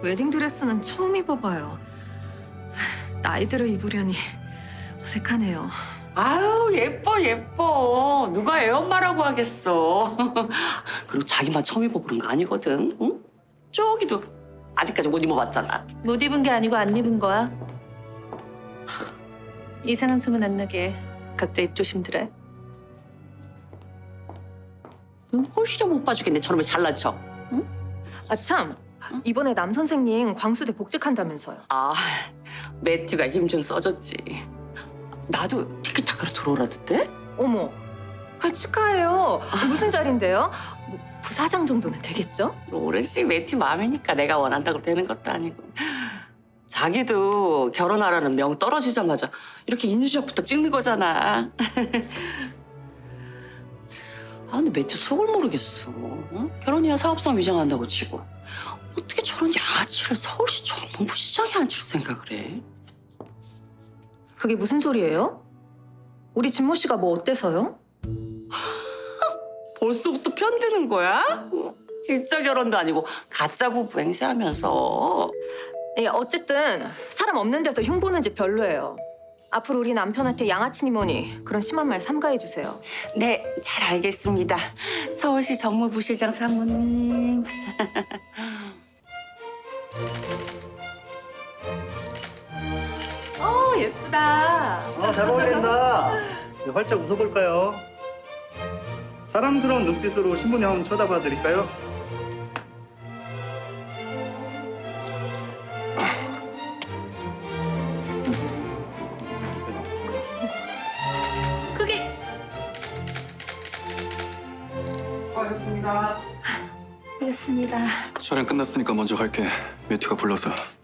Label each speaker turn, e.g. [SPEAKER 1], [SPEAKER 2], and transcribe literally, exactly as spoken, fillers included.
[SPEAKER 1] 웨딩드레스는 처음 입어봐요. 나이 들어 입으려니 어색하네요.
[SPEAKER 2] 아유 예뻐 예뻐. 누가 애엄마라고 하겠어. 그리고 자기만 처음 입어보는 거 아니거든. 응? 저기도 아직까지 못 입어봤잖아.
[SPEAKER 3] 못 입은 게 아니고 안 입은 거야. 이상한 소문 안 나게 각자 입 조심들해.
[SPEAKER 2] 눈 꼴시려 못 봐주겠네. 저놈의 잘난 척. 응?
[SPEAKER 1] 아 참, 이번에 남 선생님 광수대 복직한다면서요.
[SPEAKER 2] 아 매튜가 힘 좀 써줬지. 나도 티키타카로 들어오라던데?
[SPEAKER 1] 어머, 아, 축하해요. 무슨 자리인데요? 뭐, 부사장 정도는 되겠죠?
[SPEAKER 2] 오랜씩 매튜 마음이니까 내가 원한다고 되는 것도 아니고. 자기도 결혼하라는 명 떨어지자마자 이렇게 인증샷부터 찍는 거잖아. 아 근데 매튜 속을 모르겠어. 응? 결혼이야 사업상 위장한다고 치고 어떻게 저런 야치를 서울시 정무부시장에 앉힐 생각을 해?
[SPEAKER 1] 그게 무슨 소리예요? 우리 진모 씨가 뭐 어때서요?
[SPEAKER 2] 벌써부터 편드는 거야? 응? 진짜 결혼도 아니고 가짜 부부 행세하면서.
[SPEAKER 1] 예, 어쨌든 사람 없는 데서 흉보는 집 별로예요. 앞으로 우리 남편한테 양아치니 뭐니 그런 심한 말 삼가해 주세요.
[SPEAKER 2] 네, 잘 알겠습니다. 서울시 정무부시장 사모님.
[SPEAKER 3] 어 예쁘다.
[SPEAKER 4] 아, 잘 어울린다. 네, 활짝 웃어볼까요? 사랑스러운 눈빛으로 신부님 한번 쳐다봐 드릴까요?
[SPEAKER 3] 크게.
[SPEAKER 1] 하셨습니다.
[SPEAKER 5] 촬영 끝났으니까 먼저 갈게. 매튜가 불러서.